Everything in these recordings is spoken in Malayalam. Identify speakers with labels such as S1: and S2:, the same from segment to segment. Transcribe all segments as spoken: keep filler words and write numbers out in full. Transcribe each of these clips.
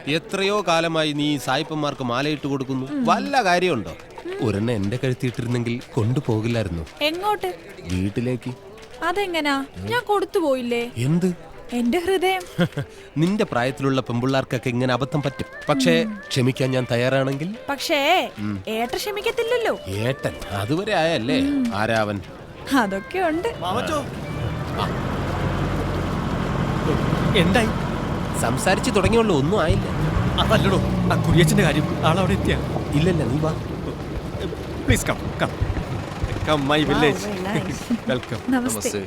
S1: എത്രയോ കാലമായി നീ സായിപ്പന്മാർക്ക് മാലയിട്ട് കൊടുക്കുന്നു. വല്ല കാര്യമുണ്ടോ? ഒരെണ്ണം എന്റെ കഴുത്തിയിട്ടിരുന്നെങ്കിൽ കൊണ്ടുപോകില്ലായിരുന്നു.
S2: എങ്ങോട്ട്?
S1: വീട്ടിലേക്ക്.
S2: അതെങ്ങനാ? ഞാൻ കൊടുത്തു പോയില്ലേ?
S1: എന്ത്?
S2: എന്റെ ഹൃദയം.
S1: നിന്റെ പ്രായത്തിലുള്ള പെമ്പിള്ളാർക്കൊക്കെ ഇങ്ങനെ അബദ്ധം പറ്റും. പക്ഷേ ക്ഷമിക്കാൻ ഞാൻ തയ്യാറാണെങ്കിൽ.
S2: പക്ഷേ ഏട്ടൻ ക്ഷമിക്കത്തില്ലല്ലോ.
S1: ഏട്ടൻ അതുവരെ ആയല്ലേ? ആരാവൻ?
S2: അതൊക്കെ ഉണ്ട്.
S3: എന്തായി?
S1: സംസാരിച്ചു തുടങ്ങിയുള്ളൂ, ഒന്നും ആയില്ല.
S3: അതല്ലടോ ആ കുര്യച്ചന്റെ കാര്യം. ആളവിടെ എത്തിയ?
S1: ഇല്ലല്ല, നീ വാ.
S3: Please come come come my village. Welcome.
S2: നമസ്തേ.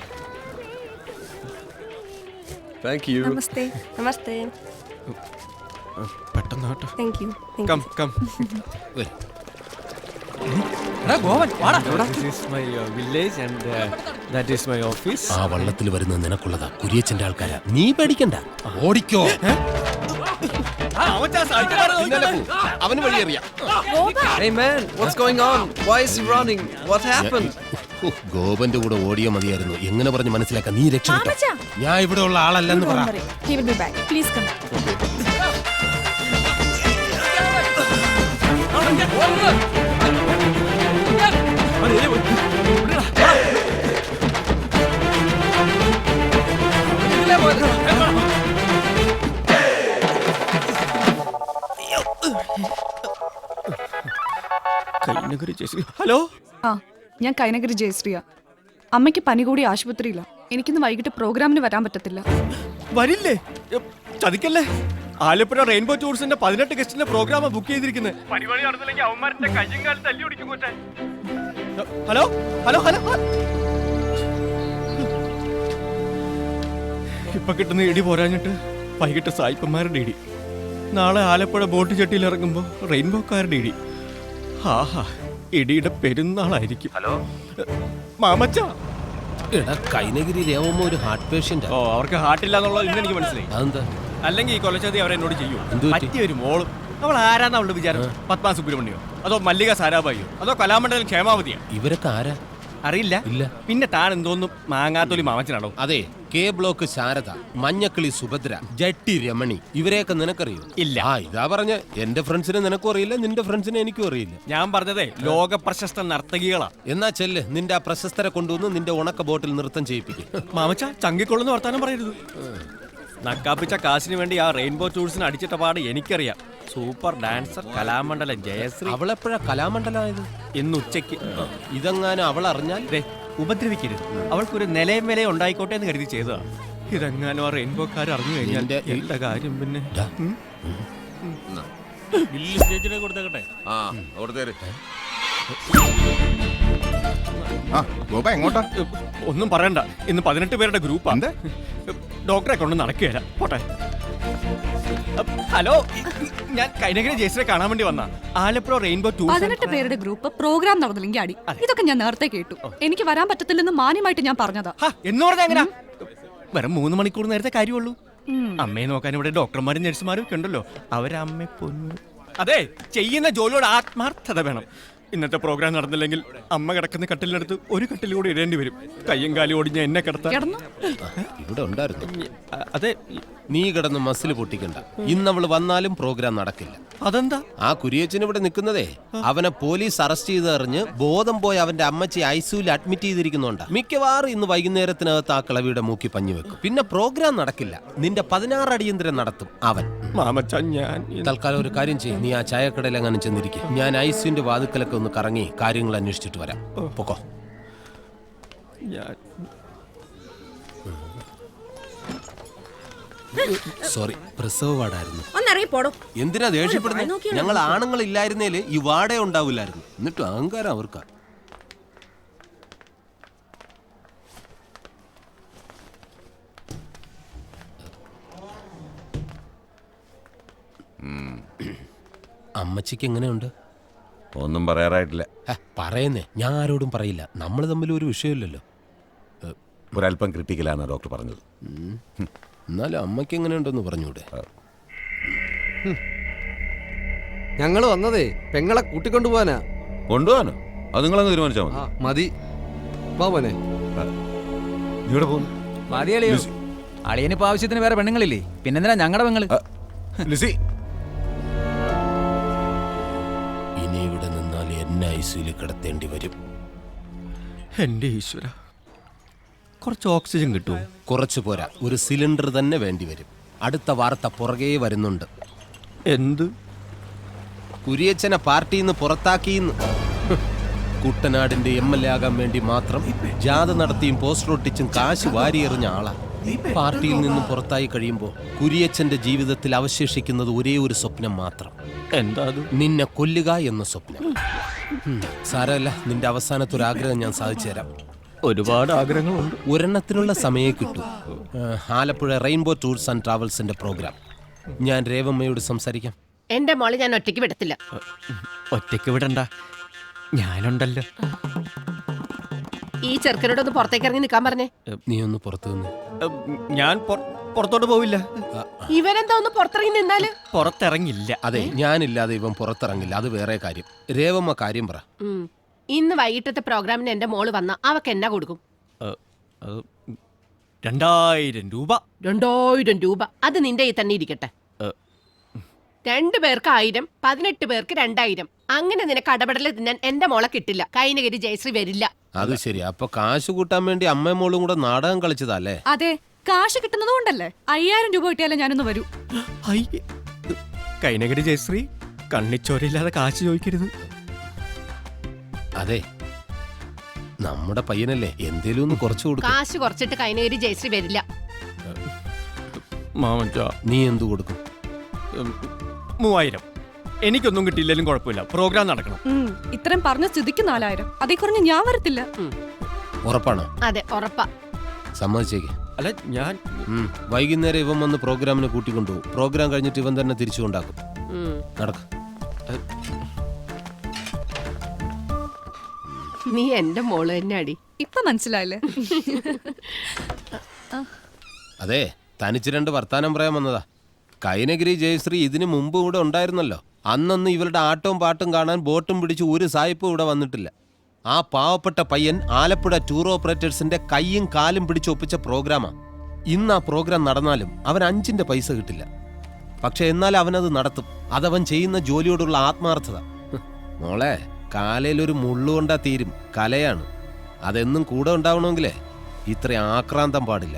S4: Thank you.
S5: നമസ്തേ. നമസ്തേ.
S3: പെട്ടെന്ന് കേട്ടോ.
S5: Thank you.
S3: Come come. This is my uh, village and uh, that is my office.
S1: ആ വള്ളത്തിൽ വരുന്നത് നിനക്കുള്ളതാ, കുര്യച്ചന്റെ ആൾക്കാരാ. നീ പേടിക്കണ്ട, ഓടിക്കോ. അവന് വഴിയറിയാം.
S4: Hey man, what's going on? Why is he running? What happened?
S1: ഗോപന്റെ കൂടെ ഓടിയോ മതിയായിരുന്നു. എങ്ങനെ പറഞ്ഞ് മനസ്സിലാക്കാം? നീ രക്ഷപ്പെട്ടോ.
S2: മാമച്ചാ.
S1: ഞാൻ ഇവിടെ ഉള്ള ആളല്ലെന്ന് പറ.
S2: He will be back. Please come.
S3: Hello,
S6: ആ ഞാൻ കൈനഗിരി ജയശ്രീയ. അമ്മയ്ക്ക് പനി കൂടി ആശുപത്രിയില്ല. എനിക്കിന്ന് വൈകിട്ട് പ്രോഗ്രാമിന് വരാൻ പറ്റത്തില്ല.
S3: വരില്ലേ? ചതിക്കല്ലേ. ആലപ്പുഴ റെയിൻബോ ടൂറിസ്റ്റിന്റെ പതിനെട്ട് ഗസ്റ്റിന്റെ പ്രോഗ്രാം ബുക്ക് ചെയ്തിരിക്കുന്നത്. ഹലോ ഹലോ ഹലോ ഇപ്പൊ കിട്ടുന്ന ഇടി പോരാഞ്ഞിട്ട് വൈകിട്ട് സായിപ്പന്മാരുടെ ഇടി. നാളെ ആലപ്പുഴ ബോട്ട് ചട്ടിയിൽ ഇറങ്ങുമ്പോ റെയിൻബോക്കാരുടെ ഇടി. ആഹാ, ഇടിയുടെ പെരുന്നാളായിരിക്കും. ഹലോ മാമച്ച.
S1: എടാ, കൈനഗിരി രേവമ്മ ഒരു ഹാർട്ട് പേഷ്യന്റ്.
S3: ഓ, അവർക്ക് ഹാർട്ടില്ല എന്നുള്ളത് ഇന്ന് എനിക്ക് മനസ്സിലായി.
S1: അതെന്താ?
S3: അല്ലെങ്കിൽ ഈ കൊലച്ചതി അവരെന്നോട് ചെയ്യൂ.
S1: എന്ത് പറ്റി?
S3: പറ്റിയ ഒരു മോളും. അവൾ ആരാന്ന് അവളുടെ വിചാരം? പത്മാ സുബ്രഹ്മണ്യോ, അതോ മല്ലിക സാരാഭായിയോ, അതോ കലാമണ്ഡലം ക്ഷേമാവതിയോ?
S1: ഇവരൊക്കെ ആരാ?
S3: അറിയില്ല.
S1: ഇല്ല.
S3: പിന്നെ താൻ എന്തോന്നും മാങ്ങാത്തൊലി മാമച്ചനാണോ?
S1: അതെ, കെ ബ്ലോക്ക് ശാരദ, മഞ്ഞക്കിളി സുഭദ്ര, ജട്ടി രമണി, ഇവരെയൊക്കെ നിനക്കറിയോ?
S3: ഇല്ല.
S1: ആ ഇതാ പറഞ്ഞ, എന്റെ ഫ്രണ്ട്സിനെ നിനക്കും അറിയില്ല, നിന്റെ ഫ്രണ്ട്സിനെ എനിക്കും അറിയില്ല.
S3: ഞാൻ പറഞ്ഞതേ ലോക പ്രശസ്ത നർത്തകികളാ.
S1: എന്നാ ചെല്ല്, നിന്റെ ആ പ്രശസ്തരെ കൊണ്ടുവന്ന് നിന്റെ ഉണക്ക ബോട്ടിൽ നൃത്തം ചെയ്യിപ്പിക്കും.
S3: മാമച്ച, ചങ്കിക്കൊള്ളുന്ന വർത്താനം പറയരുത്. നക്കാപ്പിച്ച കാശിന് വേണ്ടി ആ റെയിൻബോ ടൂറിസ്റ്റിന് അടിച്ചിട്ട പാട് എനിക്കറിയാം. Super dancer Kalamandalam Jayasree.
S1: അവളെപ്പോഴാ കലാമണ്ഡലമായത്?
S3: ഇന്ന് ഉച്ചയ്ക്ക്.
S1: ഇതെങ്ങാനും അവൾ അറിഞ്ഞാൽ
S3: ഉപദ്രവിക്കരുത്. അവൾക്കൊരു നിലയും വിലയും ഉണ്ടായിക്കോട്ടെ എന്ന് കരുതി ചെയ്തതാ. ഇതെങ്ങാനും ആ റെയിൻബോക്കാർ അറിഞ്ഞു കഴിഞ്ഞാൽ എന്റെ കാര്യം പിന്നെ. ഒന്നും പറയണ്ട, ഇന്ന് പതിനെട്ട് പേരുടെ ഗ്രൂപ്പാ. ഡോക്ടറെ കൊണ്ട് നടക്കുകയല്ല. പോട്ടെ. ഹലോ, ഞാൻ കൈനഗിരി ജയശ്രീയെ കാണാൻ വേണ്ടി വന്ന ആലപ്പുഴ റെയിൻബോ ടൂർ.
S6: പതിനെട്ട് പേരുടെ ഗ്രൂപ്പ് പ്രോഗ്രാം നടന്നില്ലെങ്കിൽ അടി. ഇതൊക്കെ ഞാൻ നേരത്തെ കേട്ടു. എനിക്ക് വരാൻ പറ്റത്തില്ലെന്ന് മാന്യമായിട്ട് ഞാൻ പറഞ്ഞതാ.
S3: എന്ന് പറഞ്ഞാ എങ്ങനാ? വെറും മൂന്ന് മണിക്കൂർ നേരത്തെ കാര്യമുള്ളൂ. അമ്മയെ നോക്കാൻ ഇവിടെ ഡോക്ടർമാരും നഴ്സുമാരും ഒക്കെ ഉണ്ടല്ലോ. അവരമ്മ പൊന്നു. അതെ, ചെയ്യുന്ന ജോലിയോട് ആത്മാർത്ഥത വേണം. ഇന്നത്തെ പ്രോഗ്രാം നടന്നില്ലെങ്കിൽ അമ്മ കിടക്കുന്ന കട്ടിലിനടുത്ത് ഒരു കട്ടിൽ കൂടി ഇടേണ്ടി വരും. കയ്യും കാലും ഓടിഞ്ഞ എന്നെ കിടത്താൻ.
S1: ഇവിടെ ഉണ്ടായിരുന്നു.
S3: അതെ,
S1: നീ കിടന്ന് മസിൽ പൊട്ടിക്കണ്ട. ഇന്നവള് വന്നാലും പ്രോഗ്രാം നടക്കില്ല.
S3: അതെന്താ?
S1: ആ കുരിയച്ചൻ ഇവിടെ നിൽക്കുന്നതേ അവനെ പോലീസ് അറസ്റ്റ് ചെയ്തറിഞ്ഞ് ബോധം പോയി അവന്റെ അമ്മച്ചി ഐസിയുവിൽ അഡ്മിറ്റ് ചെയ്തിരിക്കുന്നുണ്ട്. മിക്കവാറും ഇന്ന് വൈകുന്നേരത്തിനകത്ത് ആ കിളവിയുടെ മൂക്കി പഞ്ഞു വെക്കും. പിന്നെ പ്രോഗ്രാം നടക്കില്ല. നിന്റെ പതിനാറ് അടിയന്തരം നടത്തും അവൻ.
S3: മാമച്ച, ഞാൻ
S1: തൽക്കാലം ഒരു കാര്യം ചെയ്യും. നീ ആ ചായക്കടയിൽ അങ്ങനെ ചെന്നിരിക്കും. ഞാൻ ഐസിയുവിന്റെ വാതുക്കലൊക്കെ ഒന്ന് കറങ്ങി കാര്യങ്ങൾ അന്വേഷിച്ചിട്ട് വരാം. പൊക്കോ. സോറി, പ്രസവ വാർഡായിരുന്നു. എന്തിനാ ദേഷ്യപ്പെടുന്നത്? ഞങ്ങൾ ആണുങ്ങൾ ഇല്ലായിരുന്നേല് ഈ വാടേ ഉണ്ടാവില്ലായിരുന്നു. എന്നിട്ട് അഹങ്കാരം അവർക്കാ. അമ്മച്ചിക്ക് എങ്ങനെയുണ്ട്?
S7: ഒന്നും പറയാറായിട്ടില്ല.
S1: പറയുന്നേ, ഞാൻ ആരോടും പറയില്ല. നമ്മൾ തമ്മിൽ ഒരു വിഷയമില്ലല്ലോ.
S7: ഒരല്പം ക്രിട്ടിക്കലാണ് ഡോക്ടർ പറഞ്ഞത്.
S1: എന്നാലും അമ്മയ്ക്ക് എങ്ങനെയുണ്ടെന്ന് പറഞ്ഞൂടെ?
S4: ഞങ്ങൾ വന്നതേ പെങ്ങളെ കൂട്ടിക്കൊണ്ടുപോവാനാ.
S7: കൊണ്ടുപോകാനോ? അത് നിങ്ങളങ്ങ് തീരുമാനിച്ചാൽ മതി.
S4: മതി. വാ പോനെ.
S7: ഇവിടെ പോകുന്നു.
S8: മതി അളിയോ. അളിയനിപ്പോ ആവശ്യത്തിന് വേറെ പെണ്ണുങ്ങളില്ലേ? പിന്നെന്തിനാ ഞങ്ങളുടെ പെങ്ങള്?
S7: ലിസി
S1: ഇനി ഇവിടെ നിന്നാൽ എന്നെ ഐസിയിൽ കിടത്തേണ്ടി വരും.
S3: എൻ്റെ ഈശ്വര, കുറച്ച് ഓക്സിജൻ കിട്ടുമോ?
S1: കുറച്ചു പോരാ, ഒരു സിലിണ്ടർ തന്നെ വേണ്ടി വരും. അടുത്ത വാർത്ത പുറകെ വരുന്നുണ്ട്.
S3: എന്ത്?
S1: കുരിയച്ചനെ പാർട്ടിയിൽ നിന്ന് പുറത്താക്കിയെന്ന്. കുട്ടനാടിന്റെ എം എൽ എ ആകാൻ വേണ്ടി മാത്രം ജാഥ നടത്തിയും പോസ്റ്റർ ഒട്ടിച്ചും കാശ് വാരിയെറിഞ്ഞ ആളാ. പാർട്ടിയിൽ നിന്നും പുറത്തായി കഴിയുമ്പോൾ കുരിയച്ചന്റെ ജീവിതത്തിൽ അവശേഷിക്കുന്നത് ഒരേ ഒരു സ്വപ്നം മാത്രം.
S3: എന്താ അത്?
S1: നിന്നെ കൊല്ലുക എന്ന സ്വപ്നം. ഉം, സാരമല്ല, നിന്റെ അവസാനത്തെ ഒരു ആഗ്രഹം ഞാൻ സാധിച്ചു തരാം.
S3: ഒരുപാട് ആഗ്രഹങ്ങളുണ്ട്.
S1: ഒരെണ്ണത്തിനുള്ള സമയം കിട്ടും. ഏഹ്, ആലപ്പുഴ റെയിൻബോ ടൂർസ് ആൻഡ് ട്രാവൽസിന്റെ പ്രോഗ്രാം. ഞാൻ രേവമ്മയോട് സംസാരിക്കാം.
S5: എന്റെ മോളെ ഞാൻ ഒറ്റയ്ക്ക് വിടത്തില്ല.
S3: ഒറ്റയ്ക്ക് വിടണ്ട, ഞാനുണ്ടല്ലോ.
S5: ഈ ചെറുക്കനോടൊന്ന് പുറത്തേക്ക് ഇറങ്ങി നിൽക്കാൻ പറഞ്ഞേ.
S1: നീ ഒന്ന് പുറത്തു നിന്ന്.
S3: ഉം, ഞാൻ പുറ- പുറത്തോട്ട് പോവില്ല.
S5: ഇവനെന്താ ഒന്ന് പുറത്തിറങ്ങി നിന്നാല്?
S3: പുറത്തിറങ്ങില്ല.
S1: അതെ, ഞാനില്ലാതെ ഇവൻ പുറത്തിറങ്ങില്ല. അത് വേറെ കാര്യം. രേവമ്മ കാര്യം പറ.
S5: ഉം. ഇന്ന് വൈകിട്ടത്തെ പ്രോഗ്രാമിന് എന്റെ മോള് വന്ന അവക്ക് എന്നാ കൊടുക്കും?
S3: ഏ, അത് രണ്ടായിരം രൂപ.
S5: രണ്ടായിരം രൂപ. അത് നിന്റെ ഈ തന്നെ ഇരിക്കട്ടെ.
S3: ഏ,
S5: രണ്ടു പേർക്ക് ആയിരം, പതിനെട്ട് പേർക്ക് രണ്ടായിരം. അങ്ങനെ നിനക്ക് അടപടല് തിന്നാൻ എന്റെ മോളെ കിട്ടില്ല. കൈനഗിരി ജയശ്രീ വരില്ല.
S1: അത് ശരി. അപ്പൊ കാശ് കൂട്ടാൻ വേണ്ടി അമ്മയും മോളും കൂടെ നാടകം കളിച്ചതല്ലേ?
S6: അതെ, കാശ് കിട്ടുന്നത് കൊണ്ടല്ലേ. അയ്യായിരം രൂപ കിട്ടിയാലേ ഞാനൊന്ന് വരൂ.
S3: ഹൈ. കൈനഗരി ജയശ്രീ, കണ്ണിച്ചോരയില്ലാതെ കാശ് ചോദിക്കരുത്.
S1: അതെ, നമ്മുടെ പയ്യനല്ലേ, എന്തേലും ഒന്ന് കുറച്ചു കൊടുക്കും.
S5: കാശ് കുറച്ചിട്ട് കൈനഗിരി ജയശ്രീ വരില്ല.
S3: മാമച്ച,
S1: നീ എന്തു കൊടുക്കും?
S3: മൂവായിരം. എനിക്കൊന്നും കിട്ടിയില്ലെങ്കിലും കുഴപ്പമില്ല, പ്രോഗ്രാം നടക്കണം.
S6: ഉം, ഇത്രയും പറഞ്ഞ സ്ഥിതിക്ക് നാലായിരം. അതേ കുറഞ്ഞ് ഞാൻ വരത്തില്ല.
S1: ഉറപ്പാണോ?
S5: അതെ, ഉറപ്പാ.
S1: സമ്മതിച്ചേക്ക്.
S3: അല്ല, ഞാൻ
S1: ഉം. വൈകുന്നേരം ഇവൻ വന്ന് പ്രോഗ്രാമിന് കൂട്ടിക്കൊണ്ടുപോകും. പ്രോഗ്രാം കഴിഞ്ഞിട്ട് ഇവൻ തന്നെ തിരിച്ചു കൊണ്ടാക്കും.
S5: ഉം.
S1: നടക്കും.
S5: നീ എന്റെ മോള് തന്നെ അടി.
S6: ഇപ്പൊ മനസ്സിലായില്ലേ?
S1: അതെ, തനിച്ച് രണ്ട് വർത്താനം പറയാൻ വന്നതാ. കൈനഗിരി ജയശ്രീ ഇതിനു മുമ്പ് ഇവിടെ ഉണ്ടായിരുന്നല്ലോ. അന്നൊന്നും ഇവരുടെ ആട്ടവും പാട്ടും കാണാൻ ബോട്ടും പിടിച്ച് ഒരു സായിപ്പും ഇവിടെ വന്നിട്ടില്ല. ആ പാവപ്പെട്ട പയ്യൻ ആലപ്പുഴ ടൂർ ഓപ്പറേറ്റേഴ്സിന്റെ കൈയും കാലും പിടിച്ചൊപ്പിച്ച പ്രോഗ്രാമാ. ഇന്ന് ആ പ്രോഗ്രാം നടന്നാലും അവൻ അഞ്ചിന്റെ പൈസ കിട്ടില്ല. പക്ഷെ എന്നാൽ അവനത് നടത്തും. അതവൻ ചെയ്യുന്ന ജോലിയോടുള്ള ആത്മാർത്ഥത. ഹ്, മോളെ, കാലയിലൊരു മുള്ളുകൊണ്ടാ തീരും. കലയാണ്. അതെന്നും കൂടെ ഉണ്ടാവണമെങ്കിലേ ഇത്ര ആക്രാന്തം പാടില്ല.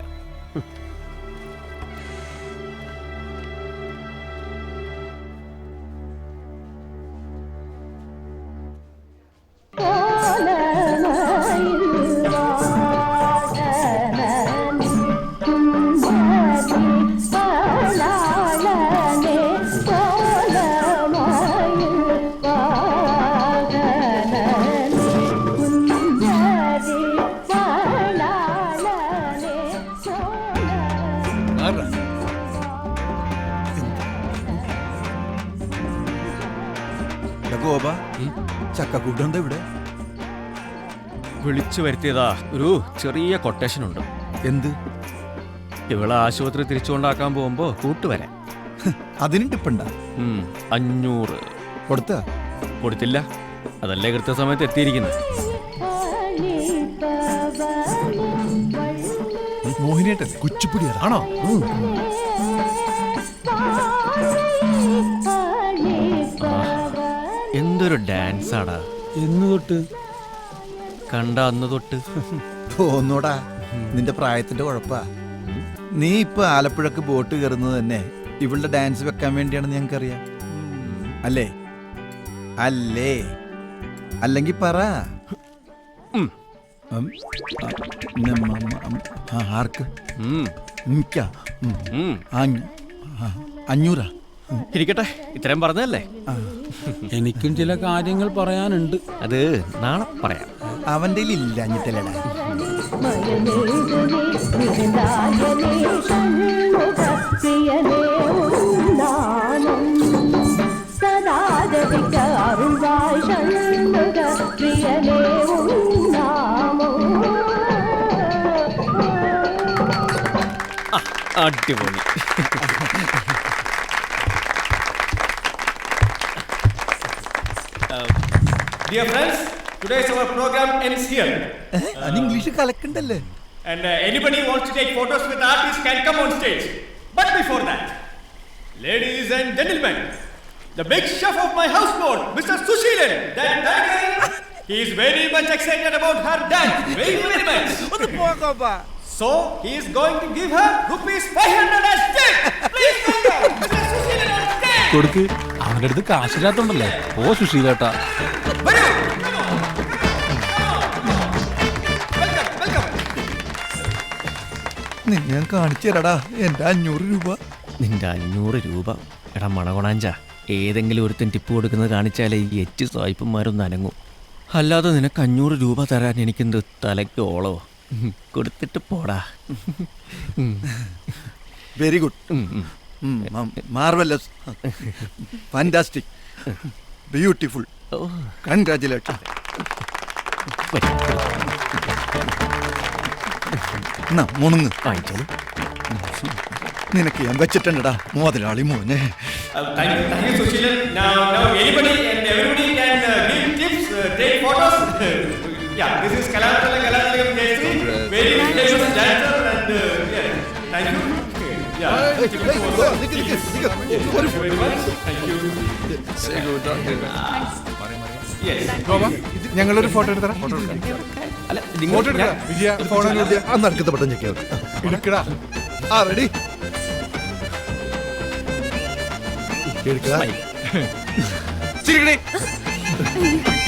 S8: ഗോപ, ചക്കക്കൂട്ടുണ്ടോ ഇവിടെ?
S3: വിളിച്ചു വരുത്തിയതാ. ഒരു ചെറിയ കൊട്ടേഷൻ ഉണ്ട്.
S8: എന്ത്?
S3: ഇവളെ ആശുപത്രി തിരിച്ചുകൊണ്ടാക്കാൻ പോകുമ്പോ കൂട്ടുവരാൻ.
S8: അതിനും ടിപ്പുണ്ടാ?
S3: ഉം, അഞ്ഞൂറ്
S8: കൊടുത്ത?
S3: കൊടുത്തില്ല. അതല്ലേ കൃത്യസമയത്ത് എത്തിയിരിക്കുന്നത്.
S8: മോഹിനിയായിട്ടല്ലേ? കുച്ചിപ്പുടിയാ? ആണോ?
S3: എന്തൊരു ഡാൻസ് ആടാ.
S8: എന്ന് തൊട്ട്?
S3: കണ്ട അന്ന് തൊട്ട്.
S8: തോന്നൂടാ, നിന്റെ പ്രായത്തിന്റെ കുഴപ്പാ. നീ ഇപ്പൊ ആലപ്പുഴക്ക് ബോട്ട് കയറുന്നത് തന്നെ ഇവളുടെ ഡാൻസ് വെക്കാൻ വേണ്ടിയാണെന്ന് ഞങ്ങൾക്കറിയാം. അല്ലേ? അല്ലേ? അല്ലെങ്കിൽ പറ.
S3: ഉം.
S8: ഉം. ആ, നമ്മ, ഉം, ആ, ആർക്ക്?
S3: ഉം,
S8: എനിക്കാ? ഉം.
S3: ഉം.
S8: ആ, ഞ- ആ, അഞ്ഞൂറാ? ഉം.
S3: ഇരിക്കട്ടെ, ഇത്രയും പറഞ്ഞതല്ലേ.
S8: ആ.
S9: എനിക്കും ചില കാര്യങ്ങൾ പറയാനുണ്ട്.
S3: അത് നാളെ പറയാം.
S8: അവന്റെ ഇല്ല അഞ്ഞിട്ടല്ലടാ.
S3: അടിപൊളി. Dear friends, today's our program ends here.
S8: അത് ഇംഗ്ലീഷ് കലക്കണ്ടല്ലേ?
S3: And uh, anybody who wants to take photos with artists can come on stage. But before that, Ladies and gentlemen, the big chef of my houseboat, Mister Sushilan, that tiger, he is very much excited about her dance. Very, very much. So, he is going to give her rupees five hundred as tip. Please welcome Mister Sushilan on stage.
S9: കൊടുക്ക് അവന്റെ അടുത്ത് കാശില്ലാത്തോണ്ടല്ലേ ഓ സുശീലേട്ടാ.
S8: ഞാൻ കാണിച്ചു തരാടാ എന്റെ അഞ്ഞൂറ് രൂപ.
S3: നിന്റെ അഞ്ഞൂറ് രൂപ എടാ മണകൊണാഞ്ച, ഏതെങ്കിലും ഒരുത്തൻ ടിപ്പ് കൊടുക്കുന്നത് കാണിച്ചാലേ ഈ എച്ച് സായിപ്പന്മാരൊന്നും അനങ്ങും. അല്ലാതെ നിനക്ക് അഞ്ഞൂറ് രൂപ തരാൻ എനിക്കെന്ത് തലയ്ക്ക് ഓളോ. കൊടുത്തിട്ട് പോടാ.
S8: Very good, marvellous, fantastic, beautiful, congratulation. മുണുങ്ങ്
S3: വാങ്ങിച്ചോളൂ.
S8: നിനക്ക് ഞാൻ വെച്ചിട്ടുണ്ടടാ മുതലാളി മോനെ.
S10: ഞങ്ങളൊരു ഫോട്ടോ എടുത്തരാ.
S8: നടുക്കത്തെ പെട്ടെന്ന് ചെക്കിയാ ആ റെഡി.
S10: ചിരിക്കണേ.